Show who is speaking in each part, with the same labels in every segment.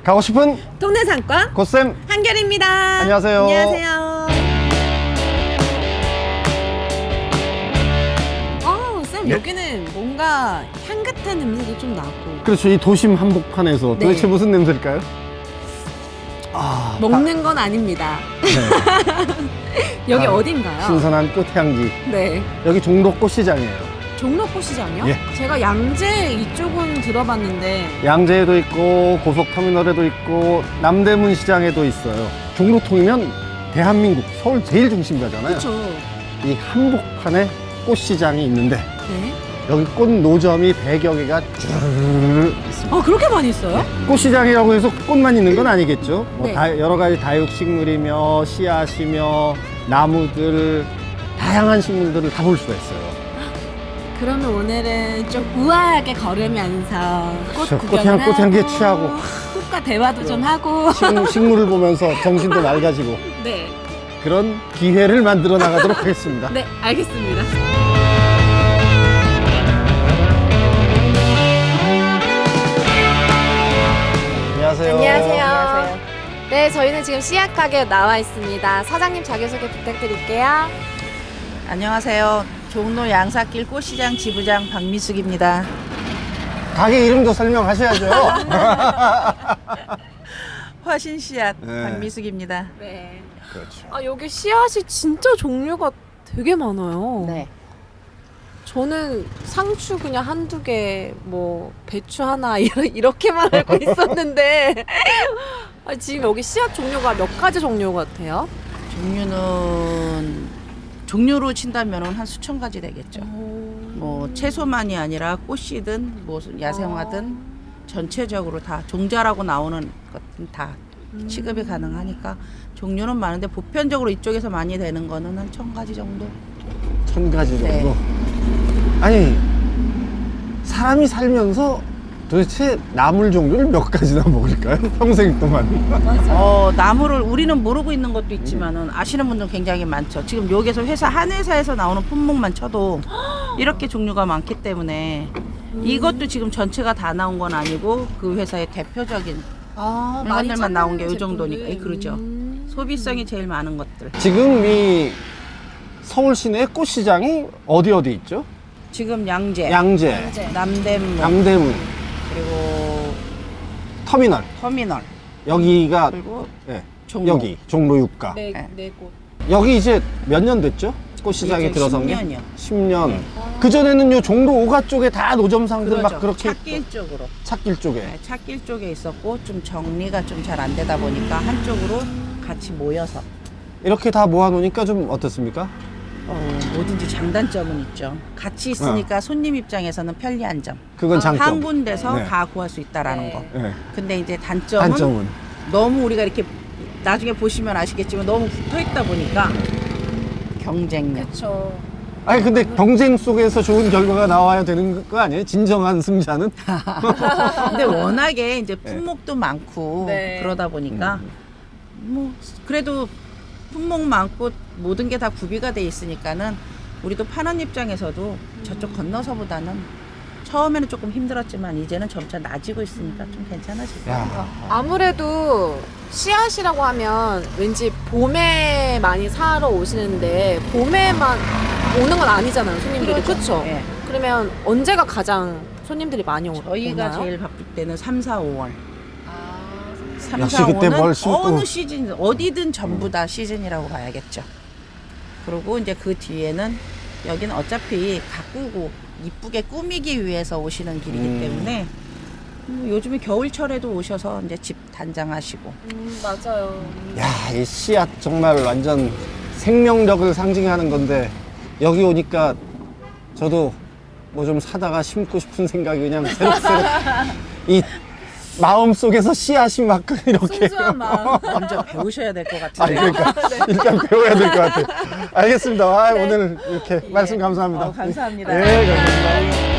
Speaker 1: 가고 싶은
Speaker 2: 동네 상권
Speaker 1: 고쌤
Speaker 2: 한결입니다.
Speaker 1: 안녕하세요.
Speaker 2: 안녕하세요. 쌤,
Speaker 1: 네.
Speaker 2: 여기는 뭔가 향긋한 냄새도 좀 나고.
Speaker 1: 그렇죠. 이 도심 한복판에서
Speaker 2: 네.
Speaker 1: 도대체 무슨 냄새일까요?
Speaker 2: 먹는 건 아닙니다.
Speaker 1: 네.
Speaker 2: 여기
Speaker 1: 아,
Speaker 2: 어딘가요?
Speaker 1: 신선한 꽃향기.
Speaker 2: 네.
Speaker 1: 여기 종로 꽃시장이에요.
Speaker 2: 종로꽃시장이요?
Speaker 1: 예.
Speaker 2: 제가 양재 이쪽은 들어봤는데.
Speaker 1: 양재에도 있고 고속터미널에도 있고 남대문 시장에도 있어요. 종로통이면 대한민국 서울 제일 중심가잖아요.
Speaker 2: 그렇죠.
Speaker 1: 이 한복판에 꽃시장이 있는데
Speaker 2: 네.
Speaker 1: 여기 꽃 노점이 100여 개가 쭈르르 있습니다.
Speaker 2: 아, 그렇게 많이 있어요?
Speaker 1: 꽃시장이라고 해서 꽃만 있는 건 아니겠죠. 뭐
Speaker 2: 네.
Speaker 1: 여러 가지 다육식물이며 씨앗이며 나무들 다양한 식물들을 다 볼 수가 있어요.
Speaker 2: 그러면 오늘은 좀 우아하게 걸으면서 꽃
Speaker 1: 그렇죠.
Speaker 2: 구경을
Speaker 1: 꽃향기에
Speaker 2: 하고,
Speaker 1: 취하고.
Speaker 2: 꽃과 대화도 좀 하고.
Speaker 1: 식물을 보면서 정신도 맑아지고
Speaker 2: 네.
Speaker 1: 그런 기회를 만들어 나가도록 하겠습니다.
Speaker 2: 네, 알겠습니다.
Speaker 1: 안녕하세요.
Speaker 3: 안녕하세요. 네, 저희는 지금 씨앗 가게에 나와 있습니다. 사장님 자기소개 부탁드릴게요.
Speaker 4: 안녕하세요. 종로 양사길 꽃시장 지부장 박미숙입니다.
Speaker 1: 가게 이름도 설명하셔야죠.
Speaker 4: 화신 씨앗
Speaker 1: 네.
Speaker 4: 박미숙입니다.
Speaker 3: 네.
Speaker 1: 그렇죠.
Speaker 3: 아, 여기 씨앗이 진짜 종류가 되게 많아요.
Speaker 4: 네.
Speaker 3: 저는 상추 그냥 한두 개, 뭐 배추 하나 이렇게만 알고 있었는데 아, 지금 여기 씨앗 종류가 몇 가지 종류 같아요?
Speaker 4: 종류로 친다면 한 수천 가지 되겠죠. 뭐 채소만이 아니라 꽃이든 뭐 야생화든 전체적으로 다 종자라고 나오는 것은 다 취급이 가능하니까 종류는 많은데 보편적으로 이쪽에서 많이 되는 거는 한 1000가지 정도.
Speaker 1: 1000가지 정도.
Speaker 4: 네.
Speaker 1: 아니 사람이 살면서 도대체 나물 종류를 몇 가지나 먹을까요? 평생 동안.
Speaker 4: 나무를 우리는 모르고 있는 것도 있지만은 아시는 분들 굉장히 많죠. 지금 여기서 한 회사에서 나오는 품목만 쳐도 이렇게 종류가 많기 때문에 이것도 지금 전체가 다 나온 건 아니고 그 회사의 대표적인
Speaker 3: 아,
Speaker 4: 물건들만 나온 게 이 정도니까. 그렇죠. 소비성이 제일 많은 것들.
Speaker 1: 지금 이 서울 시내 꽃시장이 어디 있죠?
Speaker 4: 지금 양재,
Speaker 1: 양재,
Speaker 4: 남대문,
Speaker 1: 남대문,
Speaker 4: 그리고
Speaker 1: 터미널.
Speaker 4: 터미널,
Speaker 1: 여기가
Speaker 4: 그리고
Speaker 1: 네,
Speaker 4: 종로.
Speaker 1: 여기 종로 6가.
Speaker 3: 네 곳.
Speaker 1: 여기 이제 몇 년 됐죠? 꽃시장이
Speaker 4: 이제
Speaker 1: 들어선 게?
Speaker 4: 10년이요.
Speaker 1: 10년. 그전에는 요 종로 5가 쪽에 다 노점상들 막 그렇게
Speaker 4: 찾길 쪽으로.
Speaker 1: 찾길 쪽에.
Speaker 4: 네, 찾길 쪽에 있었고 좀 정리가 좀 잘 안 되다 보니까 한쪽으로 같이 모여서
Speaker 1: 이렇게 다 모아놓으니까 좀 어떻습니까?
Speaker 4: 뭐든지 장단점은 있죠. 같이 있으니까 손님 입장에서는 편리한 점.
Speaker 1: 그건 장점.
Speaker 4: 한 군데서
Speaker 1: 네.
Speaker 4: 다 구할 수 있다라는
Speaker 3: 네.
Speaker 4: 거.
Speaker 1: 네.
Speaker 4: 근데 이제 단점은,
Speaker 1: 단점은.
Speaker 4: 너무 우리가 이렇게 나중에 보시면 아시겠지만 너무 붙어 있다 보니까 경쟁력.
Speaker 3: 그렇죠.
Speaker 1: 아니 근데 경쟁 속에서 좋은 결과가 나와야 되는 거 아니에요? 진정한 승자는?
Speaker 4: 근데 워낙에 이제 품목도 많고
Speaker 3: 네.
Speaker 4: 그러다 보니까 뭐 그래도 품목 많고 모든 게 다 구비가 돼 있으니까는 우리도 파는 입장에서도 저쪽 건너서보다는 처음에는 조금 힘들었지만 이제는 점차 나아지고 있으니까 좀 괜찮아질 거예요.
Speaker 1: 야.
Speaker 3: 아무래도 씨앗이라고 하면 왠지 봄에 많이 사러 오시는데 봄에만 오는 건 아니잖아요, 손님들이. 그렇죠?
Speaker 4: 예.
Speaker 3: 그러면 언제가 가장 손님들이 많이 오나요?
Speaker 4: 저희가 제일 바쁠 때는 3, 4, 5월. 3,
Speaker 1: 역시
Speaker 4: 4,
Speaker 1: 그때
Speaker 4: 5는
Speaker 1: 뭘 심고.
Speaker 4: 어느 시즌, 어디든 전부 다 시즌이라고 봐야겠죠. 그리고 이제 그 뒤에는 여기는 어차피 가꾸고 이쁘게 꾸미기 위해서 오시는 길이기 때문에 요즘에 겨울철에도 오셔서 이제 집 단장하시고.
Speaker 3: 맞아요.
Speaker 1: 야, 이 씨앗 정말 완전 생명력을 상징하는 건데 여기 오니까 저도 뭐 좀 사다가 심고 싶은 생각이 그냥 새록새록 이 마음 속에서 씨앗이 막 이렇게.
Speaker 3: 순수한 마음.
Speaker 4: 먼저 배우셔야 될 것
Speaker 1: 아,
Speaker 4: 같은데.
Speaker 1: 그러니까 일단 배워야 될 것 같아요. 알겠습니다. 아, 오늘 이렇게 말씀 감사합니다.
Speaker 4: 감사합니다.
Speaker 1: 네, 감사합니다.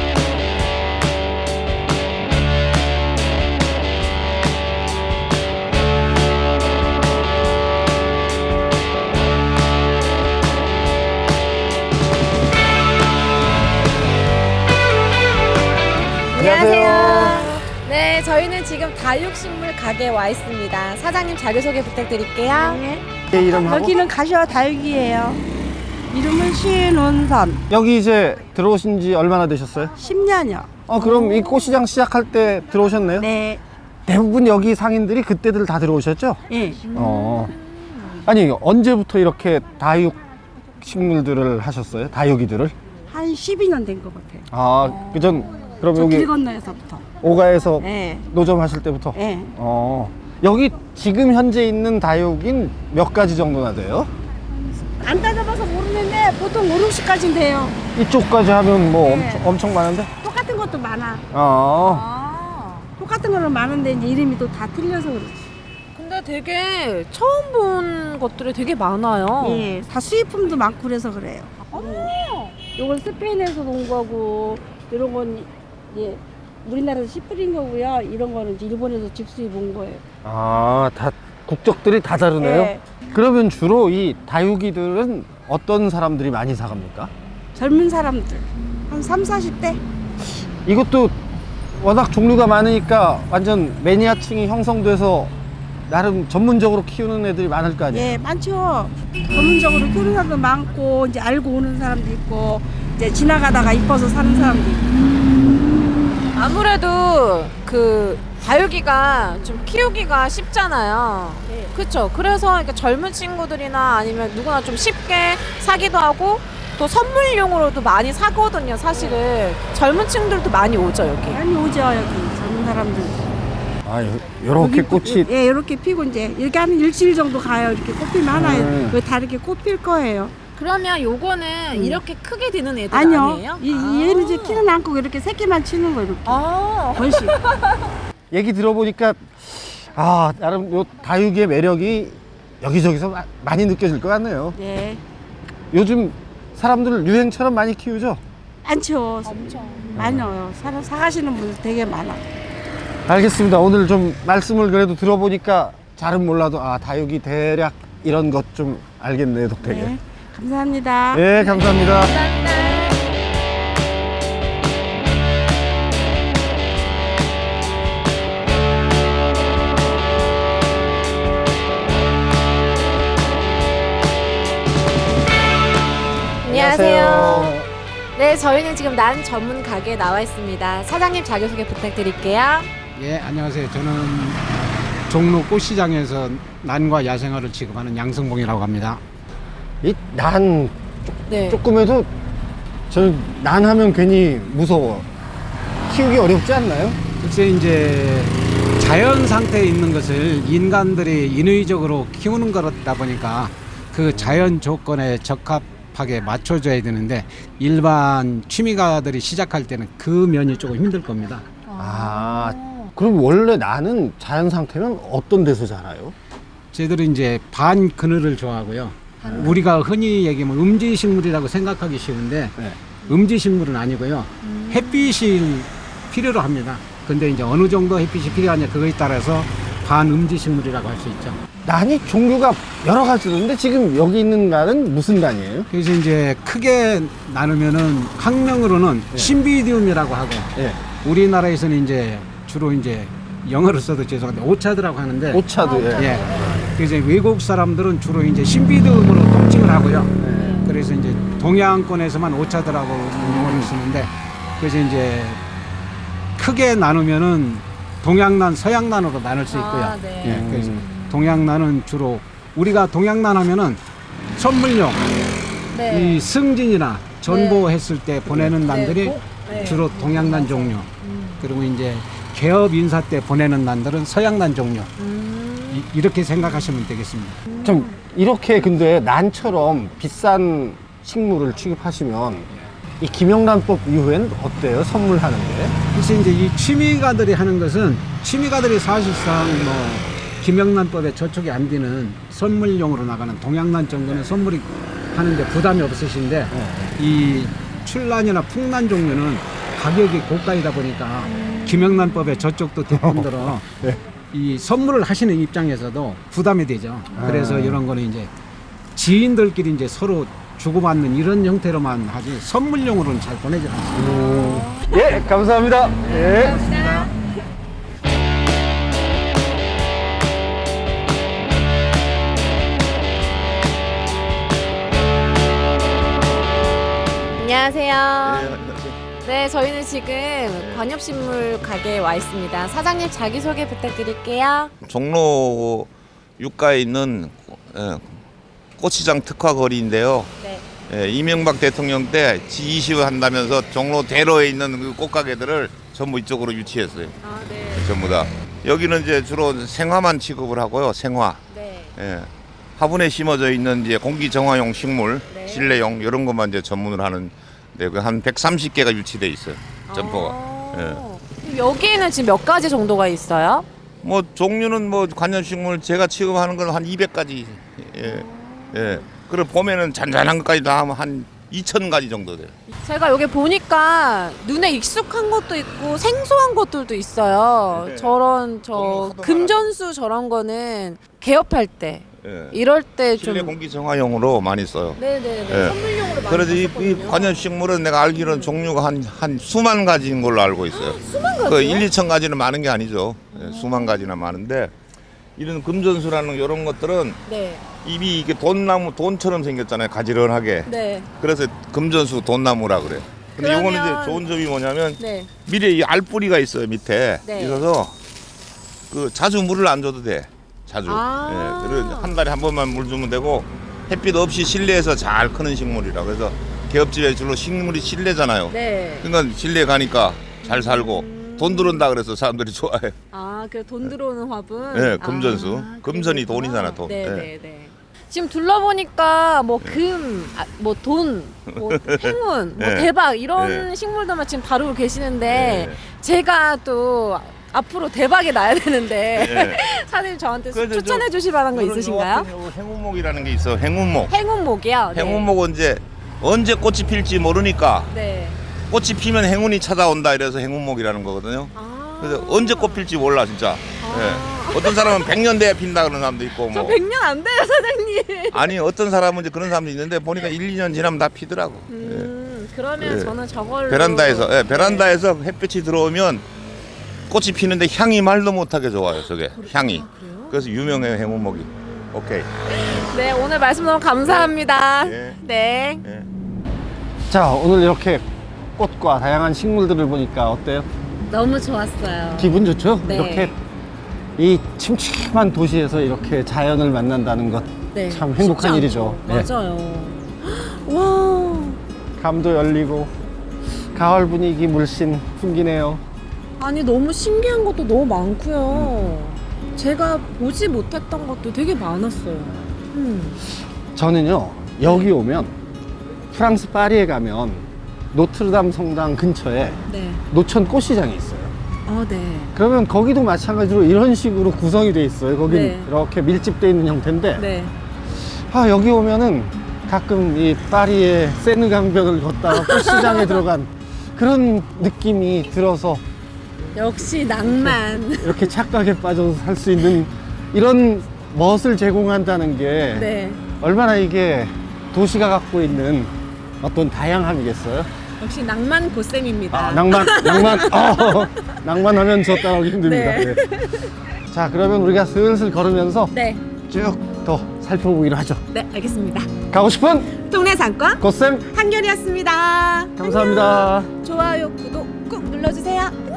Speaker 3: 안녕하세요. 네, 저희는 저희는 지금 다육식물 가게에 와 있습니다. 사장님 자기소개 부탁드릴게요.
Speaker 1: 제 이름하고
Speaker 5: 여기는 가시와 다육이에요. 이름은 신운선.
Speaker 1: 여기 이제 들어오신 지 얼마나 되셨어요?
Speaker 5: 10년이요.
Speaker 1: 그럼 이 꽃시장 시작할 때 들어오셨네요?
Speaker 5: 네.
Speaker 1: 대부분 여기 상인들이 그때들 다 들어오셨죠?
Speaker 5: 예.
Speaker 1: 아니 언제부터 이렇게 다육 식물들을 하셨어요? 다육이들을?
Speaker 5: 한 12년 된 것 같아요.
Speaker 1: 그전 그럼
Speaker 5: 저 길
Speaker 1: 여기
Speaker 5: 건너에서부터.
Speaker 1: 오가에서
Speaker 5: 예.
Speaker 1: 노점 하실 때부터?
Speaker 5: 예.
Speaker 1: 여기 지금 현재 있는 다육인 몇 가지 정도나 돼요?
Speaker 5: 안 따져봐서 모르는데 보통 5, 60까지는 돼요.
Speaker 1: 이쪽까지 하면 뭐
Speaker 5: 네.
Speaker 1: 엄청 많은데?
Speaker 5: 똑같은 것도 많아. 똑같은 거는 많은데 이제 이름이 또 다 틀려서 그렇지.
Speaker 3: 근데 되게 처음 본 것들이 되게 많아요.
Speaker 5: 예. 다 수입품도 많고 그래서 그래요. 요건 스페인에서 온 거고 이런 건 예. 우리나라에서 씨 뿌린 거고요. 이런 거는 이제 일본에서 직수입 온 거예요.
Speaker 1: 다 국적들이 다 다르네요?
Speaker 5: 예.
Speaker 1: 그러면 주로 이 다육이들은 어떤 사람들이 많이 사갑니까?
Speaker 5: 젊은 사람들 한 3, 40대?
Speaker 1: 이것도 워낙 종류가 많으니까 완전 매니아층이 형성돼서 나름 전문적으로 키우는 애들이 많을 거 아니에요?
Speaker 5: 예, 많죠. 전문적으로 키우는 사람도 많고 이제 알고 오는 사람도 있고 이제 지나가다가 이뻐서 사는 사람도 있고.
Speaker 3: 아무래도 그 다육이가 좀 키우기가 쉽잖아요.
Speaker 5: 네.
Speaker 3: 그렇죠. 그래서 이렇게 젊은 친구들이나 아니면 누구나 좀 쉽게 사기도 하고 또 선물용으로도 많이 사거든요. 사실은 젊은 층들도 많이 오죠 여기.
Speaker 5: 많이 오죠 여기 젊은 사람들.
Speaker 1: 요렇게
Speaker 5: 여기
Speaker 1: 꽃이
Speaker 5: 예, 이렇게 피고 이제 이렇게 한 일주일 정도 가요. 이렇게 꽃피면 하나에
Speaker 1: 음.
Speaker 5: 다 이렇게 꽃 필 거예요.
Speaker 2: 그러면 요거는 이렇게 크게 되는 애들
Speaker 5: 아니요.
Speaker 2: 아니에요?
Speaker 5: 얘는 이제 키는 않고 이렇게 새끼만 치는 거 이렇게.
Speaker 3: 아.
Speaker 5: 벌씩.
Speaker 1: 얘기 들어보니까 나름 요 다육이의 매력이 여기저기서 많이 느껴질 것 같네요.
Speaker 5: 네.
Speaker 1: 요즘 사람들 유행처럼 많이 키우죠?
Speaker 5: 많죠. 많아요. 사가시는 분들 되게 많아.
Speaker 1: 알겠습니다. 오늘 좀 말씀을 그래도 들어보니까 잘은 몰라도 다육이 대략 이런 것 좀 알겠네요, 덕택에.
Speaker 5: 네. 감사합니다.
Speaker 1: 네, 감사합니다.
Speaker 3: 안녕하세요. 네, 저희는 지금 난 전문 가게에 나와 있습니다. 사장님 자기소개 부탁드릴게요.
Speaker 6: 예, 안녕하세요. 저는 종로 꽃시장에서 난과 야생화를 취급하는 양성봉이라고 합니다.
Speaker 1: 이 난
Speaker 3: 네.
Speaker 1: 조금 해도 저는 난 하면 괜히 무서워. 키우기 어렵지 않나요?
Speaker 6: 글쎄 이제 자연 상태에 있는 것을 인간들이 인위적으로 키우는 거다 보니까 그 자연 조건에 적합하게 맞춰줘야 되는데 일반 취미가들이 시작할 때는 그 면이 조금 힘들 겁니다.
Speaker 1: 그럼 원래 나는 자연 상태면 어떤 데서 자라요?
Speaker 6: 저희들은 이제 반 그늘을 좋아하고요. 우리가 흔히 얘기하면 음지식물이라고 생각하기 쉬운데
Speaker 1: 네.
Speaker 6: 음지식물은 아니고요. 햇빛이 필요로 합니다. 근데 이제 어느 정도 햇빛이 필요하냐 그거에 따라서 반음지식물이라고 할 수 있죠.
Speaker 1: 난이 종류가 여러 가지 있는데 지금 여기 있는 난은 무슨 난이에요?
Speaker 6: 그래서 이제 크게 나누면은 학명으로는 신비디움이라고 하고
Speaker 1: 예.
Speaker 6: 우리나라에서는 이제 주로 이제 영어를 써도 죄송한데 오차드라고 하는데
Speaker 1: 오차도
Speaker 6: 예. 그래서 외국 사람들은 주로 이제 신비디움으로 통칭을 하고요. 그래서 이제 동양권에서만 오차드라고 용어를 쓰는데 그래서 이제 크게 나누면은 동양난, 서양난으로 나눌 수 있고요.
Speaker 3: 네.
Speaker 6: 예, 그래서 동양난은 주로 우리가 동양난 하면은 선물용
Speaker 3: 네.
Speaker 6: 이 승진이나 전보했을 때 보내는 난들이
Speaker 3: 네.
Speaker 6: 주로 동양난 종류. 그리고 이제 개업 인사 때 보내는 난들은 서양난 종류. 이렇게 생각하시면 되겠습니다.
Speaker 1: 좀 이렇게 근데 난처럼 비싼 식물을 취급하시면 이 김영란법 이후엔 어때요? 선물하는 게?
Speaker 6: 그래서 이제 이 취미가들이 하는 것은 취미가들이 사실상 뭐 김영란법에 저촉이 안 되는 선물용으로 나가는 동양난 정도는 선물이 하는데 부담이 없으신데 이 출란이나 풍란 종류는 가격이 고가이다 보니까 김영란법에 저쪽도 대품들어
Speaker 1: 네.
Speaker 6: 이 선물을 하시는 입장에서도 부담이 되죠. 그래서 이런 거는 이제 지인들끼리 이제 서로 주고받는 이런 형태로만 하지 선물용으로는 잘 보내지 않습니다.
Speaker 1: 예, 감사합니다. 예.
Speaker 3: 안녕하세요. 네, 저희는 지금 관엽식물 가게에 와 있습니다. 사장님 자기소개 부탁드릴게요.
Speaker 7: 종로 육가에 있는 꽃시장 특화 거리인데요.
Speaker 3: 네.
Speaker 7: 이명박 대통령 때 G20 한다면서 종로 대로에 있는 그 꽃가게들을 전부 이쪽으로 유치했어요.
Speaker 3: 아, 네.
Speaker 7: 전부 다. 여기는 이제 주로 생화만 취급을 하고요. 생화.
Speaker 3: 네.
Speaker 7: 화분에 심어져 있는 이제 공기 정화용 식물,
Speaker 3: 네.
Speaker 7: 실내용 이런 것만 이제 전문을 하는 한 130개가 유치돼 있어요. 점포가.
Speaker 3: 아, 여기에는 지금 몇 가지 정도가 있어요?
Speaker 7: 뭐 종류는 뭐 관엽식물 제가 취급하는 건 한 200가지. 그리고 봄에는 잔잔한 것까지 다 하면 한 2,000가지 정도 돼요.
Speaker 3: 제가 여기 보니까 눈에 익숙한 것도 있고 생소한 것들도 있어요.
Speaker 7: 네.
Speaker 3: 저런
Speaker 7: 너무 하도
Speaker 3: 금전수 저런 거는 개업할 때 이럴 때 좀
Speaker 7: 실내 공기 정화용으로 많이 써요.
Speaker 3: 네네네
Speaker 7: 예.
Speaker 3: 선물용으로 많이
Speaker 7: 그래서 이
Speaker 3: 썼거든요.
Speaker 7: 관엽식물은 내가 알기로는 종류가 한 수만 가지인 걸로 알고 있어요.
Speaker 3: 수만 가지요?
Speaker 7: 그 1, 2천 가지는 많은 게 아니죠. 수만 가지나 많은데 이런 금전수라는 이런 것들은
Speaker 3: 네.
Speaker 7: 잎이 이게 돈처럼 생겼잖아요. 가지런하게.
Speaker 3: 네.
Speaker 7: 그래서 금전수 돈나무라 그래. 근데
Speaker 3: 그러면-
Speaker 7: 이거는 이제 좋은 점이 뭐냐면
Speaker 3: 네.
Speaker 7: 밑에 이 알뿌리가 있어요. 밑에
Speaker 3: 네.
Speaker 7: 있어서 그 자주 물을 안 줘도 돼. 자주.
Speaker 3: 아.
Speaker 7: 그리고 한 달에 한 번만 물 주면 되고 햇빛 없이 실내에서 잘 크는 식물이라. 그래서 개업집에 주로 식물이 실내잖아요.
Speaker 3: 네.
Speaker 7: 그러니까 실내 가니까 잘 살고 돈 들어온다 그래서 사람들이 좋아해.
Speaker 3: 아, 그 돈 들어오는 화분.
Speaker 7: 네, 금전수.
Speaker 3: 아,
Speaker 7: 금전이
Speaker 3: 그렇구나.
Speaker 7: 돈이잖아, 돈.
Speaker 3: 네,
Speaker 7: 네.
Speaker 3: 네, 네. 지금 둘러보니까 뭐 금, 뭐 돈, 뭐 행운, 뭐
Speaker 7: 네.
Speaker 3: 대박 이런
Speaker 7: 네.
Speaker 3: 식물들만 지금 다루고 계시는데
Speaker 7: 네.
Speaker 3: 제가 또 앞으로 대박이 나야 되는데
Speaker 7: 네.
Speaker 3: 사장님 저한테
Speaker 7: 그래서
Speaker 3: 추천해 주실 만한 거
Speaker 7: 요런
Speaker 3: 있으신가요?
Speaker 7: 요 같은 행운목이라는 게 있어. 행운목.
Speaker 3: 행운목이요? 네.
Speaker 7: 행운목은 이제 언제 꽃이 필지 모르니까
Speaker 3: 네.
Speaker 7: 꽃이 피면 행운이 찾아온다 이래서 행운목이라는 거거든요.
Speaker 3: 아.
Speaker 7: 그래서 언제 꽃 필지 몰라 진짜. 어떤 사람은 100년 돼야 핀다 그런 사람도 있고
Speaker 3: 저
Speaker 7: 뭐.
Speaker 3: 100년 안 돼요, 사장님.
Speaker 7: 아니 어떤 사람은 이제 그런 사람도 있는데 보니까 1, 2년 지나면 다 피더라고.
Speaker 3: 그러면
Speaker 7: 예.
Speaker 3: 저는 저걸로
Speaker 7: 베란다에서 베란다에서 햇빛이 들어오면 꽃이 피는데 향이 말도 못하게 좋아요. 저게 향이.
Speaker 3: 그래요?
Speaker 7: 그래서 유명해요 행운목이. 오케이.
Speaker 3: 네, 오늘 말씀 너무 감사합니다.
Speaker 7: 네.
Speaker 3: 네.
Speaker 7: 예.
Speaker 1: 자, 오늘 이렇게 꽃과 다양한 식물들을 보니까 어때요?
Speaker 3: 너무 좋았어요.
Speaker 1: 기분 좋죠?
Speaker 3: 네.
Speaker 1: 이렇게 이 침침한 도시에서 이렇게 자연을 만난다는 것 참
Speaker 3: 네.
Speaker 1: 행복한
Speaker 3: 쉽지
Speaker 1: 일이죠.
Speaker 3: 않죠. 맞아요. 와.
Speaker 1: 감도 열리고 가을 분위기 물씬 풍기네요.
Speaker 3: 아니 너무 신기한 것도 너무 많고요. 제가 보지 못했던 것도 되게 많았어요.
Speaker 1: 저는요, 여기 오면 프랑스 파리에 가면 노트르담 성당 근처에
Speaker 3: 네.
Speaker 1: 노천 꽃시장이 있어요.
Speaker 3: 아, 네.
Speaker 1: 그러면 거기도 마찬가지로 이런 식으로 구성이 돼 있어요. 거긴
Speaker 3: 네.
Speaker 1: 이렇게 밀집돼 있는 형태인데
Speaker 3: 네.
Speaker 1: 아, 여기 오면은 가끔 이 파리의 세느 강변을 걷다가 꽃시장에 들어간 그런 느낌이 들어서
Speaker 3: 역시 낭만.
Speaker 1: 이렇게 착각에 빠져서 살 수 있는 이런 멋을 제공한다는 게
Speaker 3: 네.
Speaker 1: 얼마나 이게 도시가 갖고 있는 어떤 다양함이겠어요?
Speaker 3: 역시 낭만 고쌤입니다.
Speaker 1: 낭만하면 저 따라오기 힘듭니다.
Speaker 3: 네.
Speaker 1: 네. 자, 그러면 우리가 슬슬 걸으면서
Speaker 3: 네.
Speaker 1: 쭉 더 살펴보기로 하죠.
Speaker 3: 네, 알겠습니다.
Speaker 1: 가고 싶은
Speaker 3: 동네 상권
Speaker 1: 고쌤
Speaker 3: 한결이었습니다.
Speaker 1: 감사합니다.
Speaker 3: 좋아요, 구독 꾹 눌러주세요.